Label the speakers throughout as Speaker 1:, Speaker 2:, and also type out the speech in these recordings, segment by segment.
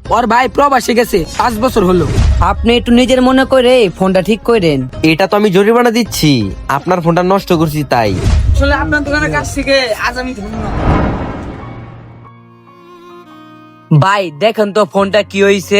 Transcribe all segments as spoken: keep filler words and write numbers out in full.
Speaker 1: ওর ভাই প্রবাসে গেছে পাঁচ বছর হলো।
Speaker 2: আপনি একটু নিজের মনে করে ফোনটা ঠিক করেন।
Speaker 3: এটা তো আমি জরিমানা দিচ্ছি, আপনার ফোনটা নষ্ট করছি তাই।
Speaker 1: আসলে আপনার দোকানের কাছ থেকে আজ আমি ধন্য।
Speaker 2: ভাই দেখেন তো ফোনটা কি হয়েছে।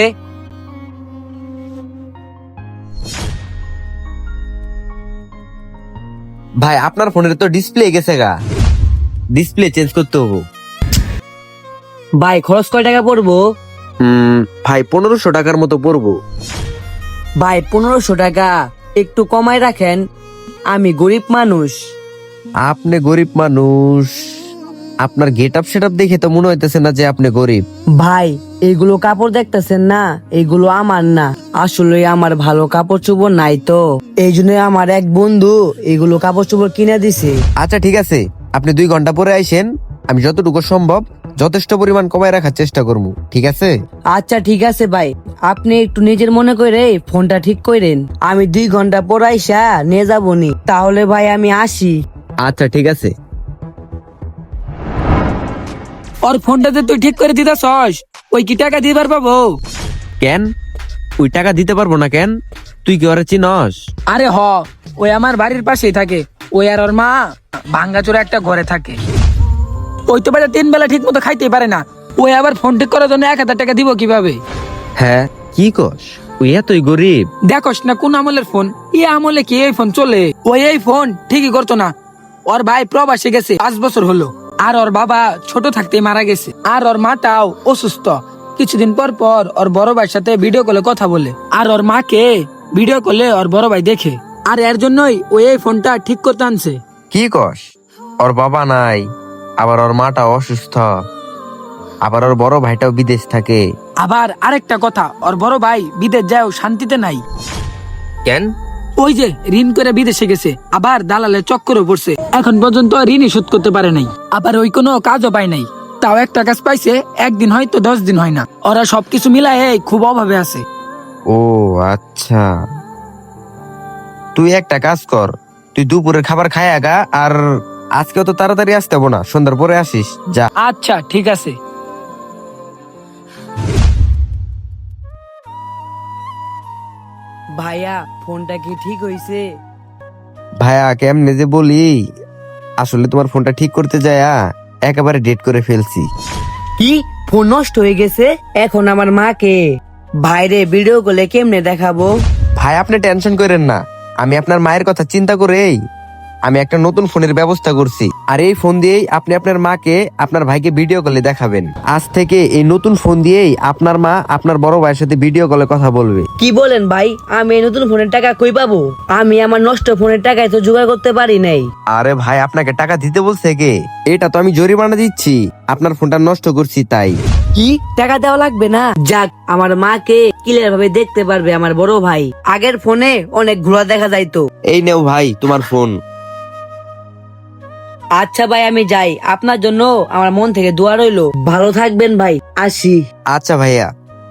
Speaker 3: ভাই আপনার ফোনের তো ডিসপ্লে গেছে গা, ডিসপ্লে চেঞ্জ করতে হবো।
Speaker 2: ভাই খরচ কয় টাকা পড়বো?
Speaker 3: হুম ভাই পনেরোশো টাকার মতো পড়বো।
Speaker 2: ভাই পনেরোশো টাকা একটু কমায় রাখেন, আমি গরিব মানুষ।
Speaker 3: আপনি গরিব মানুষ? আপনার গেট আপ সেট আপ দেখে তো মনে হইতেছে না যে আপনি গরিব।
Speaker 2: ভাই এইগুলো কাপড় দেখতেছেন না, এইগুলো আমার না, আসলে আমার ভালো কাপড় চোপড় নাই তো, এই জন্য আমার এক বন্ধু এইগুলো কাপড় চোপড় কিনে দিছে।
Speaker 3: আচ্ছা ঠিক আছে, আপনি দুই ঘন্টা পরে আইসেন, আমি যতটুকু সম্ভব যথেষ্ট পরিমাণ কমায় রাখার চেষ্টা করবো, ঠিক আছে?
Speaker 2: আচ্ছা ঠিক আছে ভাই, আপনি একটু নিজের মনে করে ফোনটা ঠিক করেন, আমি দুই ঘন্টা পর আইসা নিয়ে যাবো নি, তাহলে ভাই আমি আসি।
Speaker 3: আচ্ছা ঠিক আছে।
Speaker 1: ওর ফোনটাতে তুই ঠিক করে দিতাছস, ওই কি টাকা দিবার পাবো?
Speaker 3: কেন ওই টাকা দিতে পারবো না কেন? তুই কি ওরা চিনস?
Speaker 1: আরে হ, ওই আমার বাড়ির পাশেই থাকে। ওই আর ওর মা ভাঙ্গাচোরা একটা ঘরে থাকে। ওই তো বেটা তিন বেলা ঠিক মতো খাইতেই পারে না, ওই আবার ফোন ঠিক করার জন্য এক হাজার টাকা দিব কিভাবে?
Speaker 3: হ্যাঁ কি কস, ওই এতই গরিব?
Speaker 1: দেখোস না কোন আমলের ফোন, এই আমলে কি এই ফোন চলে? ওই এই ফোন ঠিকই করতো না। ওর ভাই প্রবাসে গেছে পাঁচ বছর হলো, আর ওর বাবা ছোট থাকতেই মারা গেছে, আর ওর মাটাও অসুস্থ। কিছুদিন পর পর ওর বড় ভাইয়ের সাথে ভিডিও কলে কথা বলে, আর ওর মাকে ভিডিও কলে ওর বড় ভাই দেখে, আর এর জন্যই ওই এই ফোনটা ঠিক করতে আনছে।
Speaker 3: কি কস, ওর বাবা নাই, আবার ওর মাটা অসুস্থ, আবার ওর বড় ভাইটাও বিদেশ থাকে?
Speaker 1: আবার আরেকটা কথা, ওর বড় ভাই বিদেশ যাও শান্তিতে নাই।
Speaker 3: কেন?
Speaker 1: ওই যে ঋণ করে বিদেশে গেছে, আবার দালালের চক্করে পড়ছে, এখন পর্যন্ত ঋণই শোধ করতে পারে নাই, আবার ওই কোনো কাজও পায় নাই। তাও একটা কাজ পাইছে, একদিন হয়তো দশ দিন হয় না। ওরা সবকিছু মিলায় এই খুব অভাবে আছে।
Speaker 3: ও আচ্ছা, তুই একটা কাজ কর, তুই দুপুরের খাবার খায় আগা, আর আজকেও তো তাড়াতাড়ি আসতে হবো না, সন্ধ্যার পরে আসিস যা।
Speaker 1: আচ্ছা ঠিক আছে।
Speaker 2: ভাইয়া ফোনটা কি ঠিক হয়েছে?
Speaker 3: ভাইয়া কেমনে যে বলি, আসলে তোমার ফোনটা ঠিক করতে যায়া একেবারে ডেট করে ফেলছি।
Speaker 2: কি ফোন নষ্ট হয়ে গেছে? এখন আমার মাকে বাইরে ভিডিও কলে কেমনে দেখাবো?
Speaker 3: ভাই আপনি টেনশন করেন না, আমি আপনার মায়ের কথা চিন্তা করেই আমি একটা নতুন ফোনের ব্যবস্থা করছি, আর এই ফোন দিয়েই আপনি আপনার মাকে আপনার ভাইকে ভিডিও কলে দেখাবেন। আজ থেকে এই নতুন ফোন দিয়েই আপনার মা আপনার বড় ভাইয়ের সাথে ভিডিও কলে কথা বলবে।
Speaker 2: কি বলেন ভাই, আমি এই নতুন ফোনের টাকা কই পাবো? আমি আমার নষ্ট ফোনের টাকায় তো জোগাড় করতে পারি নাই।
Speaker 3: আরে ভাই আপনাকে টাকা দিতে বলছে কে? এটা তো আমি জরিমানা দিচ্ছি, আপনার ফোনটা নষ্ট করছি তাই।
Speaker 2: কি টাকা দেওয়া লাগবে না? যাক, আমার মাকে ক্লিয়ার ভাবে দেখতে পারবে আমার বড় ভাই। আগের ফোনে অনেক ঘোরা দেখা যাইতো।
Speaker 3: এই নেও ভাই তোমার ফোন।
Speaker 2: আচ্ছা ভাই আমি যাই, আপনার জন্য আমার মন থেকে দোয়া রইলো। ভালো থাকবেন ভাই, আসি।
Speaker 3: আচ্ছা ভাইয়া।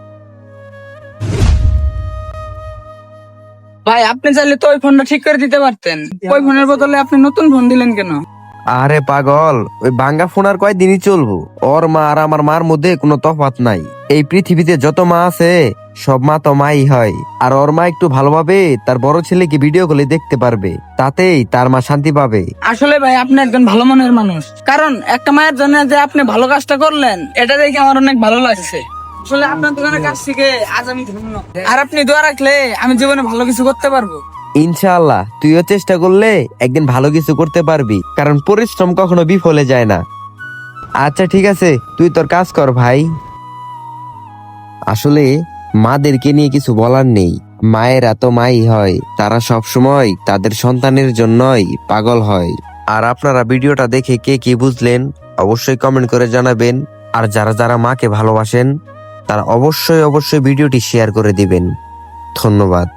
Speaker 1: ভাই আপনি চাইলে তো ওই ফোনটা ঠিক করে দিতে পারতেন, ওই ফোনের বদলে আপনি নতুন ফোন দিলেন কেন?
Speaker 3: আরে পাগল, ওই ভাঙ্গা ফোন আর কয়দিনই চলবো, ওর মা আর আমার মার মধ্যে কোনো তফাৎ নাই। এই পৃথিবীতে যত মা আছে সব মা তো মাই হয়, আর ওর মা একটু ভালোভাবে তার বড় ছেলেকে ভিডিও কলে দেখতে পারবে, তাতেই তার মা শান্তি পাবে।
Speaker 1: আসলে ভাই আপনি একজন ভালো মনের মানুষ, কারণ একটা মায়ের জন্য যে আপনি ভালো কাজটা করলেন এটা দেখে আমার অনেক ভালো লাগছে। আসলে আপনার দোকানের কাছ থেকে আজ আমি ধন্য, আর আপনি দোয়া রাখলে আমি জীবনে ভালো কিছু করতে পারবো।
Speaker 3: ইনশাআল্লাহ তুইও চেষ্টা করলে একদিন ভালো কিছু করতে পারবি, কারণ পরিশ্রম কখনো বিফলে যায় না। আচ্ছা ঠিক আছে, তুই তোর কাজ কর ভাই। আসলে মাদেরকে নিয়ে কিছু বলার নেই, মায়েরা তো মাই হয়, তারা সব সময় তাদের সন্তানের জন্যই পাগল হয়। আর আপনারা ভিডিওটা দেখে কে কি বুঝলেন অবশ্যই কমেন্ট করে জানাবেন, আর যারা যারা মাকে ভালোবাসেন তারা অবশ্যই অবশ্যই ভিডিওটি শেয়ার করে দিবেন। ধন্যবাদ।